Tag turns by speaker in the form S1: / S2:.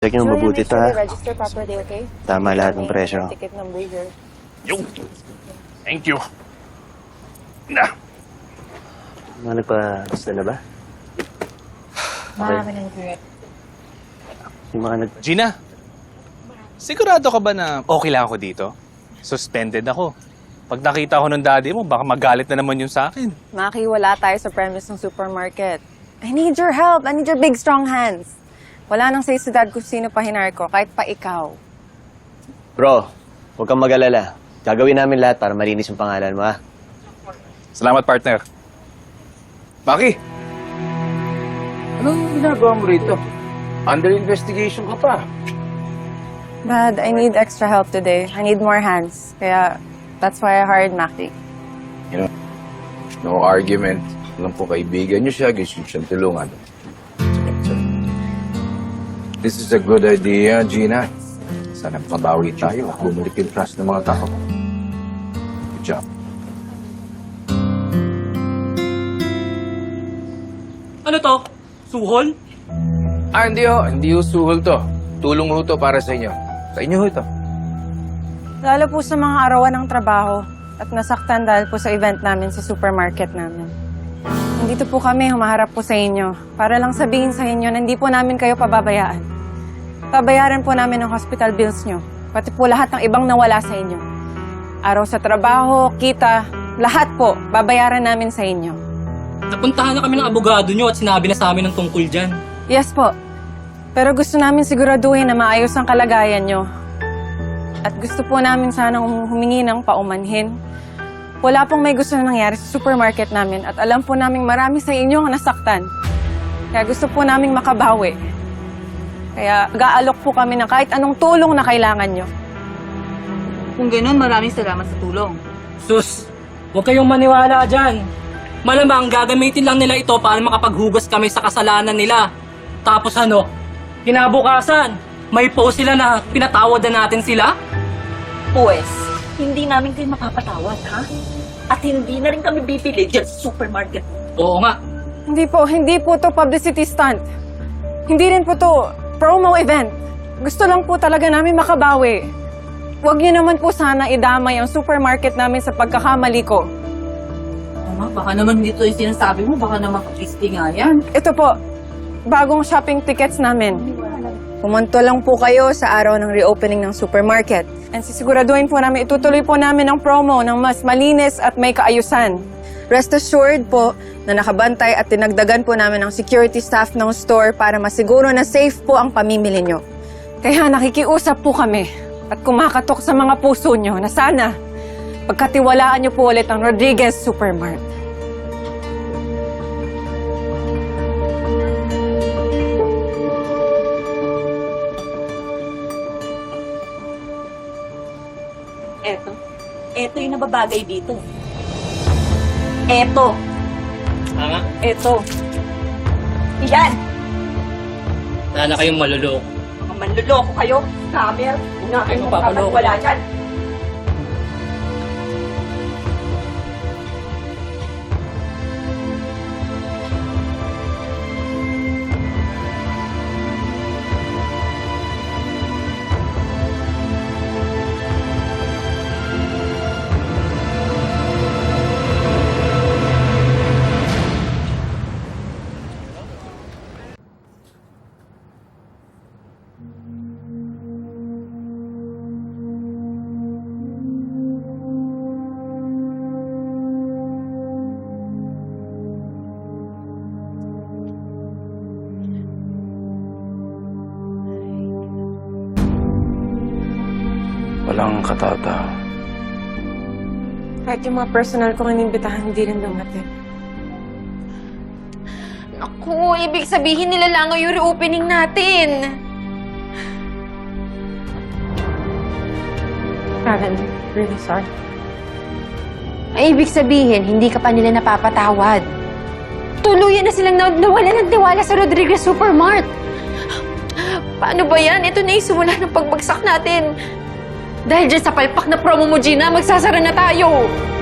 S1: Check nyo mabuti ito, ha?
S2: Register properly, okay?
S1: Tama lahat ng presyo.
S2: Ticket number here.
S3: Yung. Thank you. Na.
S1: Mga nagpa-gusto na ba?
S2: Marami ng correct.
S1: Yung mga
S3: Gina, sigurado ka ba na okay lang ako dito? Suspended ako. Pag nakita ko ng daddy mo, baka magalit na naman yun sa akin.
S2: Maki, wala tayo sa premise ng supermarket. I need your help. I need your big, strong hands. Wala nang say sa dad kung sino pa hinar ko, kahit pa ikaw.
S1: Bro, huwag kang mag-alala. Gagawin namin lahat para malinis yung pangalan mo, ha?
S3: Salamat, partner.
S4: Maki! Anong ginagawa mo rito? Under investigation ka pa.
S2: Dad, I need extra help today. I need more hands. Kaya, that's why I hired Maki.
S4: You know, no argument. Alam po, kaibigan niyo siya, gusto niyo siyang tulungan. This is a good idea, Gina. Sana mabawi tayo at bumalik yung trust ng mga tao. Good job.
S5: Ano to? Suhol?
S4: Hindi ho. Hindi ho suhol to. Tulong ho to para sa inyo. Sa inyo ho ito.
S2: Lalo po sa mga arawan ng trabaho at nasaktan dahil po sa event namin sa supermarket namin. Nandito po kami, humaharap po sa inyo para lang sabihin sa inyo na hindi po namin kayo pababayaan. Babayaran po namin ang hospital bills nyo, pati po lahat ng ibang nawala sa inyo. Araw sa trabaho, kita, lahat po, babayaran namin sa inyo.
S5: Napuntahan na kami ng abogado nyo at sinabi na sa amin ng tungkol dyan.
S2: Yes po, pero gusto namin siguraduhin na maayos ang kalagayan nyo. At gusto po namin sanang humingi ng paumanhin. Wala pong may gusto na nangyari sa supermarket namin at alam po namin marami sa inyo ang nasaktan. Kaya gusto po namin makabawi. Kaya mag-aalok po kami ng kahit anong tulong na kailangan nyo.
S6: Kung gano'n, maraming salamat sa tulong.
S5: Sus, huwag kayong maniwala dyan. Malamang gagamitin lang nila ito para makapaghugas kami sa kasalanan nila. Tapos ano, kinabukasan, may post sila na pinatawad na natin sila?
S6: Pues, hindi namin kayo mapapatawad, ha? At hindi na rin kami bibili dyan sa supermarket.
S5: Oo nga.
S2: Hindi po to publicity stunt. Hindi rin po to promo event. Gusto lang po talaga namin makabawi. Huwag niyo naman po sana idamay ang supermarket namin sa pagkakamali ko.
S6: Mama, baka naman dito yung sinasabi mo, baka naman Christy nga yan.
S2: Ito po, bagong shopping tickets namin. Pumunto lang po kayo sa araw ng reopening ng supermarket. And sisiguraduhin po namin, itutuloy po namin ang promo ng mas malinis at may kaayusan. Rest assured po na nakabantay at tinagdagan po namin ang security staff ng store para masiguro na safe po ang pamimili nyo. Kaya nakikiusap po kami at kumakatok sa mga puso nyo na sana pagkatiwalaan nyo po ulit ang Rodriguez Supermart.
S6: Eto yung nababagay dito. Eto.
S5: Nga.
S6: Eto. Yan.
S5: Wala na kayong maluloko.
S6: Mga manluloko kayo. Scammer. Una kayo
S5: mapapaloko.
S6: wala dyan.
S4: Walang katata.
S2: Kahit yung mga personal kong inimbitahan, hindi rin dumating.
S7: Naku, ibig sabihin nila lang yung reopening natin.
S2: Karen, really sorry.
S7: Ay, ibig sabihin, hindi ka pa nila napapatawad. Tuluyan na silang nawala ng tiwala sa Rodriguez Supermart. Paano ba yan? Ito na yung simula ng pagbagsak natin. Dahil dyan sa palpak na promo mo, Gina, magsasara na tayo.